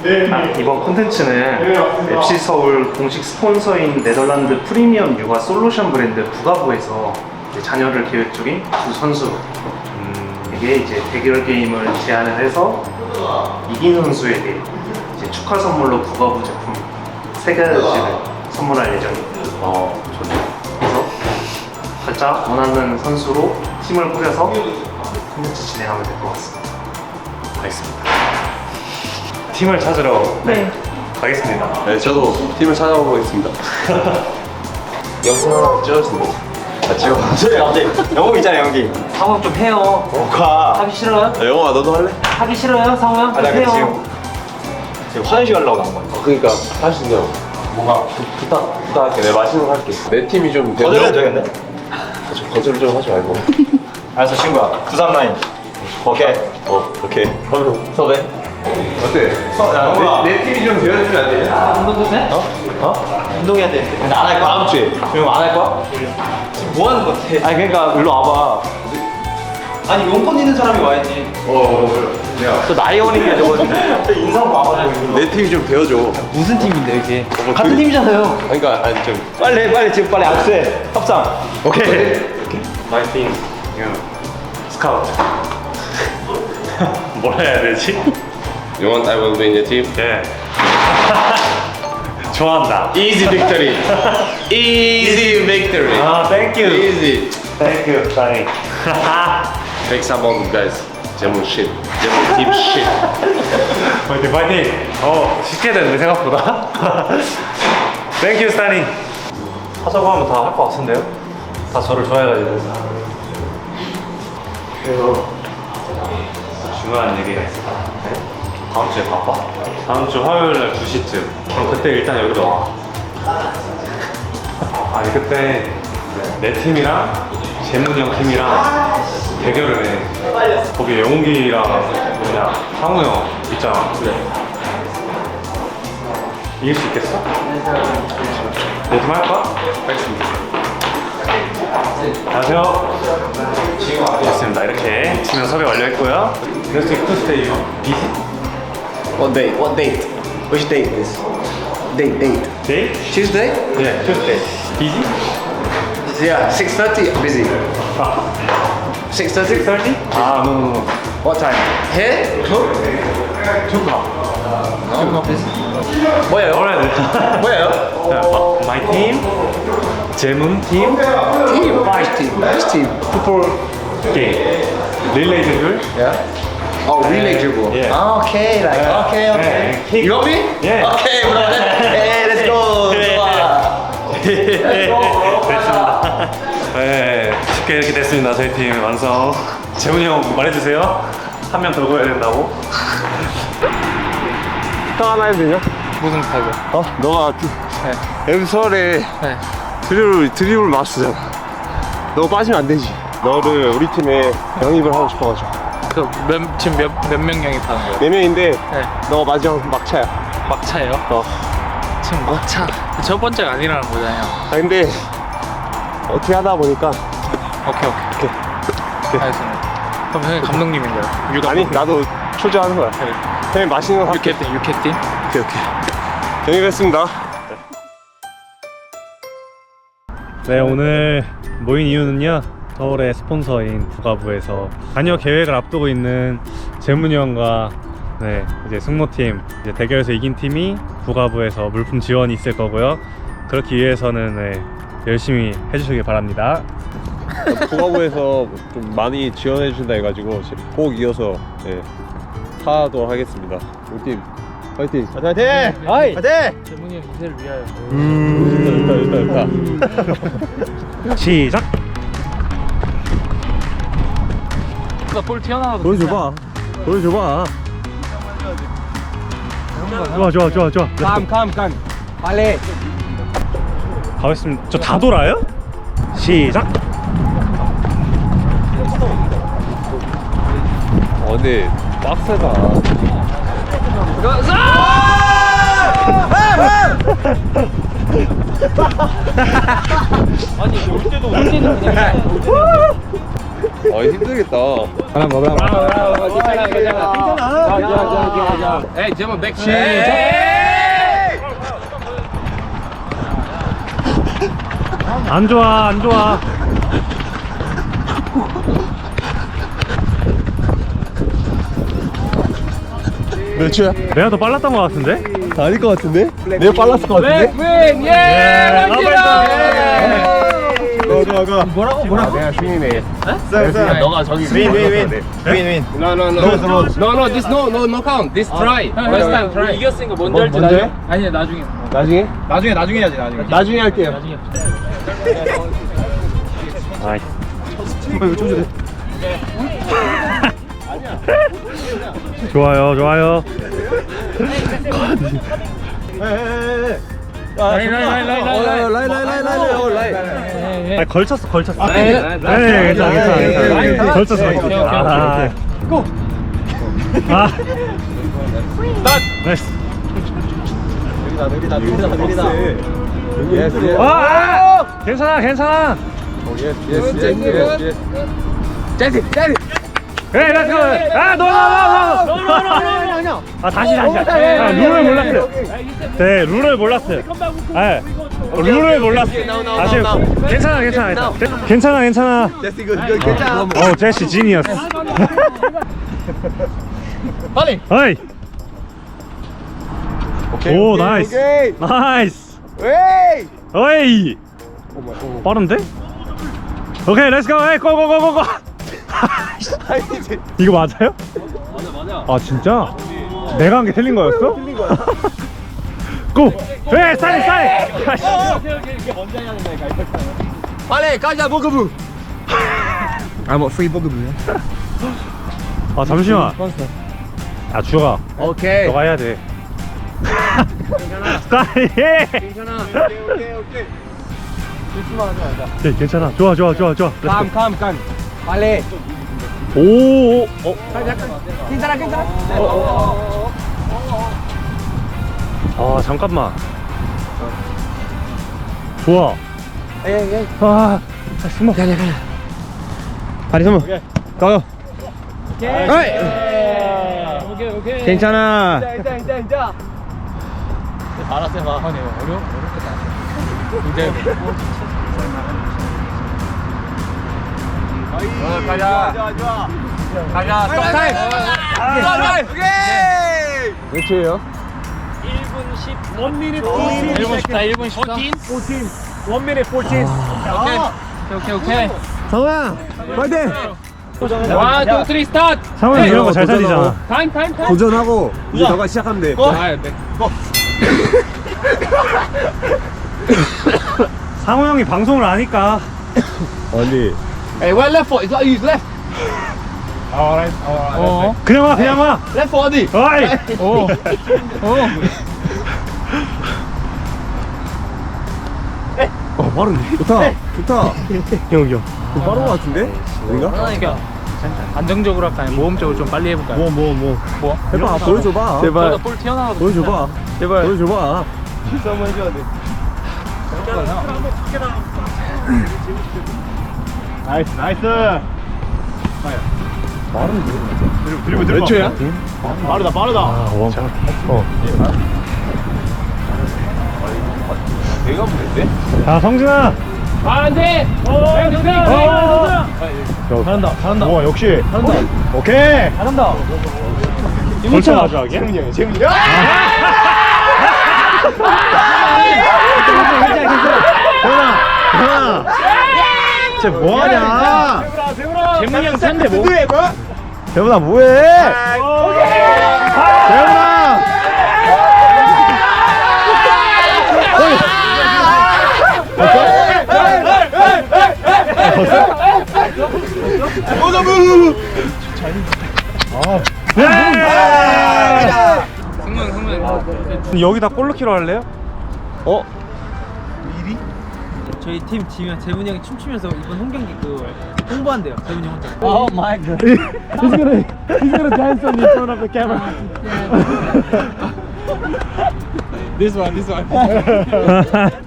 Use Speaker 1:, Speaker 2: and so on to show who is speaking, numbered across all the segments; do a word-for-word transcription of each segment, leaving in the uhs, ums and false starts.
Speaker 1: 아, 이번 콘텐츠는 맵시 서울 공식 스폰서인 네덜란드 프리미엄 육아 솔루션 브랜드 부가부에서 이제 자녀를 계획 중인 두 선수에게 이제 대결 게임을 제안을 해서 이긴 선수에게 이제 축하 선물로 부가부 제품 세 가지를 선물할 예정입니다.
Speaker 2: 어, 좋네.
Speaker 1: 그래서 각자 원하는 선수로 팀을 꾸려서 콘텐츠 진행하면 될 것 같습니다.
Speaker 2: 알겠습니다.
Speaker 1: 팀을 찾으러
Speaker 3: 네.
Speaker 1: 가겠습니다.
Speaker 2: 네, 저도 팀을 찾아보겠습니다. 영상 하나 찍어주세요. 아, 찍어.
Speaker 4: 소리 갑자기 영웅 있잖아 연기.
Speaker 3: 상호 좀 해요.
Speaker 4: 뭐가?
Speaker 3: 하기 싫어요?
Speaker 2: 아, 영호아, 너도 할래?
Speaker 3: 하기 싫어요, 상호 형?
Speaker 4: 아, 나
Speaker 3: 해요.
Speaker 4: 지금 지금 화장실 가려고 나온 거야.
Speaker 2: 그러니까 할 수 있냐고.
Speaker 4: 뭔가
Speaker 2: 부탁, 부탁할게. 내가 맛있는 거 할게. 내 팀이 좀
Speaker 4: 거절해도 되겠네?
Speaker 2: 좀 거절 좀 하지 말고.
Speaker 4: 알았어 친구야. 구삼라인. 오케이.
Speaker 2: 어, 오케이. 그럼 섭외. 어때?
Speaker 4: 영호아.
Speaker 2: 내, 내 팀이 좀 되어주면 안 되냐?
Speaker 3: 운동도 돼?
Speaker 4: 어? 어? 운동해야 돼. 근데 안 할 거야? 다음 주에. 그럼 안 할 거야? 지금 뭐 하는 거 같아? 아니 그러니까 일로 와봐. 아니 용건 있는 사람이 와야지.
Speaker 2: 어, 어, 어. 야.
Speaker 4: 저 나이 어린게 저거 인상 와가지고.
Speaker 2: 내 팀이 좀 되어줘.
Speaker 3: 무슨 팀인데, 이게?
Speaker 2: 뭐
Speaker 3: 같은
Speaker 2: 그-
Speaker 3: 팀이잖아요.
Speaker 2: 그러니까, 아니, 좀.
Speaker 4: 빨리 빨리 지금 빨리 악수해. 협상.
Speaker 2: 오케이.
Speaker 1: My team, you scout. 뭐라 해야 되지?
Speaker 2: You want I will be in your team?
Speaker 1: 예. 좋아한다.
Speaker 2: Easy victory. Easy victory.
Speaker 1: 아, thank you.
Speaker 2: Easy.
Speaker 1: Thank you, Danny.
Speaker 2: Take some of guys. 제목 shit. 제목 team shit.
Speaker 1: 파이팅, 파이팅. 어, 쉽게 됐네 생각보다. Thank you, Danny. 하자고 하면 다 할 것 같은데요? 다 저를 좋아해가지고. 그래서 중요한 얘기가 있어. 네? 다음 주에 바빠? 다음 주 화요일 날 두 시쯤. 그럼 그때 일단 여기로 와. 아니 그때 내 팀이랑 재문이 형 팀이랑 대결을 해. 거기 영웅기랑 뭐냐 상우 형 있잖아. 그래. 이길 수 있겠어? 내 팀 할까? 알겠습니다. 안녕하세요. 됐습니다. 이렇게 팀명 섭외 완료했고요. 그래서 투스테이 비시
Speaker 4: What date? What date? Which date is? Date date.
Speaker 1: 데이?
Speaker 4: Tuesday?
Speaker 1: 네, 투스테이. 비시?
Speaker 4: Yeah. six thirty. Busy.
Speaker 1: 아,
Speaker 4: six thirty.
Speaker 1: thirty? 아, no, no, no.
Speaker 4: What time? Here? Two?
Speaker 1: 투카.
Speaker 4: No, not busy. 뭐예요?
Speaker 1: 뭐라 해야 돼?
Speaker 4: 뭐예요?
Speaker 1: My team, 재문 팀,
Speaker 4: Team. Which team? Which team?
Speaker 1: 풋볼 게임. 릴레이 대결.
Speaker 4: Yeah. Oh, relay dribble.
Speaker 1: Yeah.
Speaker 4: Ah, okay, like
Speaker 1: Yeah.
Speaker 4: okay, okay.
Speaker 1: Yeah.
Speaker 4: You got me?
Speaker 1: Yeah.
Speaker 4: Okay, bro. Hey, let's go. 좋아.
Speaker 1: 됐습니다. 네, 쉽게 이렇게 됐습니다. 저희 팀 완성. 재문이 형 말해주세요. 한 명 더 구해야 된다고.
Speaker 2: 부탁 하나 해도 되냐?
Speaker 3: 무슨 타이거?
Speaker 2: 어? 너가 엠설에
Speaker 3: 네.
Speaker 2: 드리블, 드리블 마스터잖아. 너 빠지면 안 되지. 너를 우리 팀에 영입을 하고 싶어가지고.
Speaker 3: 그, 몇, 지금 몇, 몇 명 영입하는 거예요?
Speaker 2: 네 명인데
Speaker 3: 네.
Speaker 2: 너가 마지막 막차야.
Speaker 3: 막차예요?
Speaker 2: 어.
Speaker 3: 지금 막차. 첫 번째가 아니라는 거잖아요.
Speaker 2: 아 근데 어떻게 하다 보니까
Speaker 3: 오케이, 오케이.
Speaker 2: 오케이.
Speaker 3: 알겠습니다. 그럼 형이 감독님인가요? 유
Speaker 2: 아니 나도 초조하는 거야.
Speaker 3: 네.
Speaker 2: 형님 맛있는 거 할게.
Speaker 3: 유캐팀, 유캐팀?
Speaker 2: 오케이 오케이. 영입했습니다.
Speaker 1: 네, 오늘 모인 이유는요. 서울의 스폰서인 부가부에서 자녀 계획을 앞두고 있는 재문이 형과 네, 이제 승모팀 이제 대결에서 이긴 팀이 부가부에서 물품 지원이 있을 거고요. 그렇기 위해서는 네, 열심히 해주시길 바랍니다.
Speaker 2: 부가부에서 좀 많이 지원해 주신다 해가지고 꼭 이어서 예, 타도록 하겠습니다. 우리 팀 파이팅! 파이팅!
Speaker 3: 아이!
Speaker 2: 파이팅!
Speaker 3: 재문이 형 인생을 위하여.
Speaker 2: 좋다 좋다 좋다.
Speaker 1: 시작!
Speaker 3: 볼 튀어나와도
Speaker 1: 보여줘봐. 보여줘봐. 좋아, 좋아, 좋아, 좋아.
Speaker 4: Come, come, come. 빨리.
Speaker 1: 가겠습니다. 저 다 돌아요? 시작!
Speaker 2: 어 근데 빡세다.
Speaker 3: 아니, 올 때도 올 때는 그냥.
Speaker 2: 아 힘들겠다.
Speaker 4: 하나 먹어.
Speaker 3: 괜찮아 괜찮아. 에이 제발 백 시작.
Speaker 1: 안 좋아 안 좋아.
Speaker 2: 몇 초야?
Speaker 1: 내가 더 빨랐던 것 같은데?
Speaker 2: 아닐 것 같은데? 내가 빨랐을 것 같은데?
Speaker 3: 윈 예.
Speaker 2: 고, 고, 고. 뭐라고 뭐라고? 내가 승리네. 너가 저기 윈, 윈, 윈. 윈, 윈. No, no, no.
Speaker 3: No no this no no no count. This try. First time try. 이겼으니까 먼저 할지
Speaker 2: 먼저 해?
Speaker 3: 나중에? 아니 나중에.
Speaker 2: 나중에?
Speaker 4: 나중에 나중에 해야지 나중에.
Speaker 2: 나중에 할게요.
Speaker 3: 나중에.
Speaker 1: 아이.
Speaker 2: 이거 좀 주래.
Speaker 1: 좋아요 좋아요.
Speaker 3: 라인 라인 라인 라인 라인.
Speaker 2: 라이, 라이, 라이, 라이, 라이.
Speaker 1: 아니, 걸쳤어 걸쳤어.
Speaker 3: 네.
Speaker 1: 네, 괜찮아 괜찮아 괜찮아. 걸쳤어.
Speaker 3: 오케이, 오케이, 오케이,
Speaker 1: 아,
Speaker 3: 고.
Speaker 1: 아. 나이스.
Speaker 2: 느리다, 느리다, 느리다, 느리다. 예스, 예스.
Speaker 1: 아, 아! 괜찮아 괜찮아.
Speaker 2: 예스, 예스, 예스, 예스.
Speaker 3: 제시 제시.
Speaker 1: 에이 렛츠고. 아 노노노노. 아 다시 다시. 아, 룰을 몰랐어요. 네 룰을 몰랐어요. 아 룰을 몰랐어요. 다시. 괜찮아 괜찮아 괜찮아 괜찮아.
Speaker 2: 예스, 이거, 이거 괜찮아.
Speaker 1: 어 제시 지니어스.
Speaker 3: 빨리.
Speaker 1: 어이.
Speaker 2: 오케이,
Speaker 1: 오
Speaker 2: 오케이,
Speaker 1: 나이스.
Speaker 2: 오케이.
Speaker 1: 나이스.
Speaker 2: 에이!
Speaker 1: 어이. 빠른데? 오케이 렛츠고. 에이 고고고고고.
Speaker 2: 아니지.
Speaker 1: 이거 맞아요? 맞아 맞아. 아 진짜? 내가 한 게 틀린 거였어?
Speaker 2: 틀린 거야.
Speaker 1: 고! 에 사이 사이.
Speaker 2: 빨리 가자, 버그부. 아, 뭐 프리 버그부야?
Speaker 1: 아 잠시만. 아 주혁아.
Speaker 2: 오케이.
Speaker 1: 너가 해야 돼. 사이.
Speaker 3: 괜찮아.
Speaker 2: 오케이, 오케이, 오케이. 실수만 하지 말자.
Speaker 1: 네, 괜찮아. 좋아 좋아 좋아 좋아.
Speaker 2: 감, 감, 감. 빨리.
Speaker 1: 오. 오. 어.
Speaker 2: 괜찮아, 괜찮아.
Speaker 1: 아 잠깐만. 좋아.
Speaker 2: 에이, 에이.
Speaker 1: 아. 아 숨어.
Speaker 2: 가자, 가자. 다리 숨어. 가요.
Speaker 3: 오케이.
Speaker 2: 어이.
Speaker 3: 오케이 오케이.
Speaker 2: 괜찮아.
Speaker 3: 이자 이자 이자. 알았어 해봐. 아니 어려 어렵겠다. 이제. 어, 가자.
Speaker 2: 좋아, 좋아.
Speaker 3: 가자. 스톱 타임. 스톱 타임.
Speaker 2: 오케이. 몇 초예요?
Speaker 3: 일 분 십. 일 미닛 일 분 십사. 일 분 십사. 일 미닛 사. 오케이. 오케이 오케이.
Speaker 2: 성아, 파이팅!
Speaker 3: 원, 투, 쓰리, 스타트.
Speaker 1: 상훈이 이런 거 잘 살리잖아.
Speaker 3: 타임 타임 타임.
Speaker 2: 도전하고 이제 너가 시작하면 돼.
Speaker 3: 아, 네.
Speaker 1: 상호 형이 방송을 아니까.
Speaker 2: 아니.
Speaker 3: Hey, where left foot? It's like use left.
Speaker 2: Alright, alright.
Speaker 3: 어.
Speaker 1: 그냥 와 그냥 와.
Speaker 3: Left foot 어디?
Speaker 1: 어이.
Speaker 3: 어. 어.
Speaker 2: 어, 빠른데? 좋다, 좋다.
Speaker 1: 여기 형.
Speaker 2: 좀 빠른 거 같은데? 우리가?
Speaker 3: 그러니까 안정적으로 할까? 아니면 모험적으로 좀 빨리 해볼까요?
Speaker 2: 뭐, 뭐, 뭐.
Speaker 3: 뭐?
Speaker 2: 해봐, 보여줘봐.
Speaker 3: 저도 볼 튀어나와도
Speaker 2: 보여줘봐.
Speaker 3: 제발.
Speaker 2: 보여줘봐. 실수 한번 해줘야 돼.
Speaker 1: 나이스 나이스.
Speaker 2: 빠른데?
Speaker 1: 드리블
Speaker 2: 몇 초야?
Speaker 1: 빠르다 빠르다. 아 원. 어.
Speaker 2: 내가 보냈대?
Speaker 1: 자 성진아.
Speaker 3: 아, 안 돼! 어,
Speaker 1: 어. 잘한다 잘한다. 와 역시. 잘한다. 오케이.
Speaker 3: 잘한다.
Speaker 1: 벌써 마지막이야?
Speaker 2: 재훈이 형이, 재훈이 형.
Speaker 1: 대훈아 대훈아. 쟤 뭐하냐?
Speaker 3: 재문이 형 산대 뭐?
Speaker 1: 대훈아 뭐해? 대훈아.
Speaker 3: 승문 승문.
Speaker 1: 여기다 골르키로 할래요?
Speaker 2: 어?
Speaker 5: 저희 팀 지면 재문이 형이 춤추면서 이번 홈경기 그 홍보한대요. 재문이 형 혼자.
Speaker 3: Oh my god.
Speaker 1: He's gonna he's gonna dance on in front of the camera.
Speaker 3: This one, this one.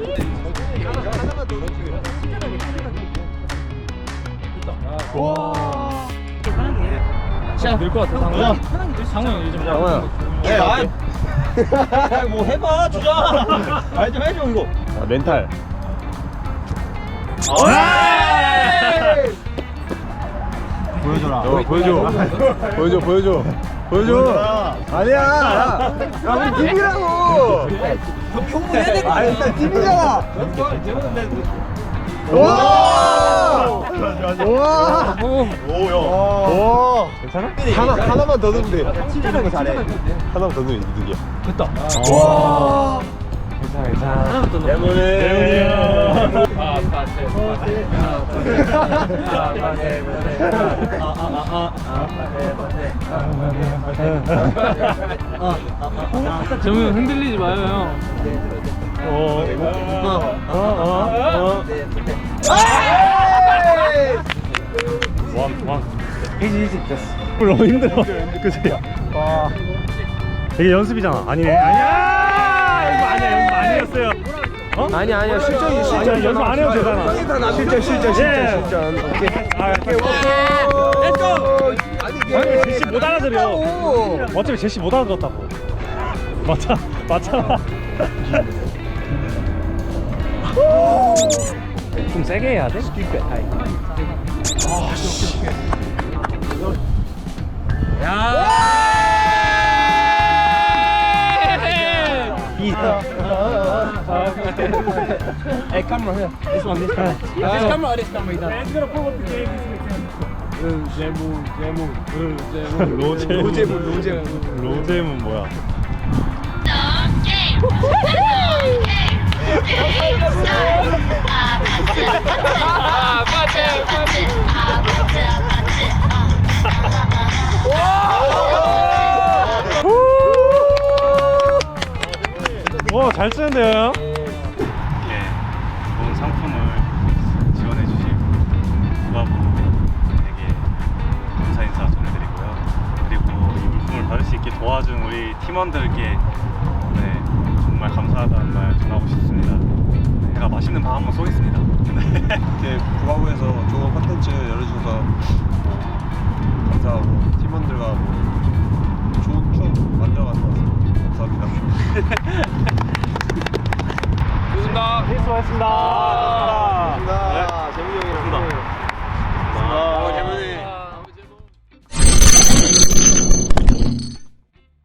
Speaker 2: 와.
Speaker 3: 늘것 같아 상훈. 상훈 요즘
Speaker 2: 상훈아.
Speaker 4: 네, 아, 뭐 해봐 주자. 말좀 해줘 이거.
Speaker 2: 아, 멘탈.
Speaker 4: 보여줘라.
Speaker 2: 어, 보여줘. 보여줘, 보여줘. 보여줘. 아니야. 야, 우리 팀이라고.
Speaker 5: 형해야 될거
Speaker 2: 아,
Speaker 5: 아니야?
Speaker 2: 일단 팀이잖아. 와! 와!
Speaker 4: 오야.
Speaker 2: 와! 괜찮아? 하나, 하나만 더 넣으면 돼.
Speaker 5: 침착하게
Speaker 2: 잘해.
Speaker 5: 침착하게
Speaker 2: 하나만 더 넣으면 이득이야.
Speaker 5: 됐다.
Speaker 2: 와!
Speaker 5: 괜찮아 괜찮아. 하나부터 넣어.
Speaker 2: 때문에.
Speaker 3: 아 빠세 정우 형 흔들리지 마요 형.
Speaker 2: 어, 어, 어, 어.
Speaker 1: 왕, 왕.
Speaker 2: 이지, 이지, 됐어.
Speaker 1: 너무 힘들어. 그치?
Speaker 2: 와.
Speaker 1: 이게 연습이잖아. 아니네. 아니야! 이거 아니야. 연습 아니었어요. 어?
Speaker 2: 아니야, 아니야. 실전이 실전.
Speaker 1: 아니야, 연습 안 해도 되잖아.
Speaker 2: 실전, 실전, 실전,
Speaker 1: 예.
Speaker 2: 실전. 오케이.
Speaker 1: 아, 오케이.
Speaker 2: 렛츠고! 아니,
Speaker 1: 아니, 제시 못 알아들여. 어차피 제시 못 알아들었다고. 맞아, 맞잖아. 좀 세게 해야 돼?
Speaker 5: Hey, camera here. This one, this camera. This camera or this camera?
Speaker 1: 로제문,
Speaker 2: 로제문, 로제문.
Speaker 1: 로제문 뭐야? 와, 잘 쓰는데요?
Speaker 6: 예, 좋은 상품을 지원해주신 부가부에게 감사 인사 전해드리고요. 그리고 이 물품을 받을 수 있게 도와준 우리 팀원들께 네, 정말 감사하다는 말 전하고 싶습니다. 네, 제가 맛있는 밥 한번 쏘겠습니다. 네.
Speaker 2: 이렇게 부가부에서 좋은 콘텐츠 열어주셔서 뭐 감사하고 팀원들과 뭐 좋은 추억 만들어가는 것 같습니다. 감사합니다.
Speaker 3: 좋습니다.
Speaker 1: 수고하셨습니다.
Speaker 2: 감사합니다.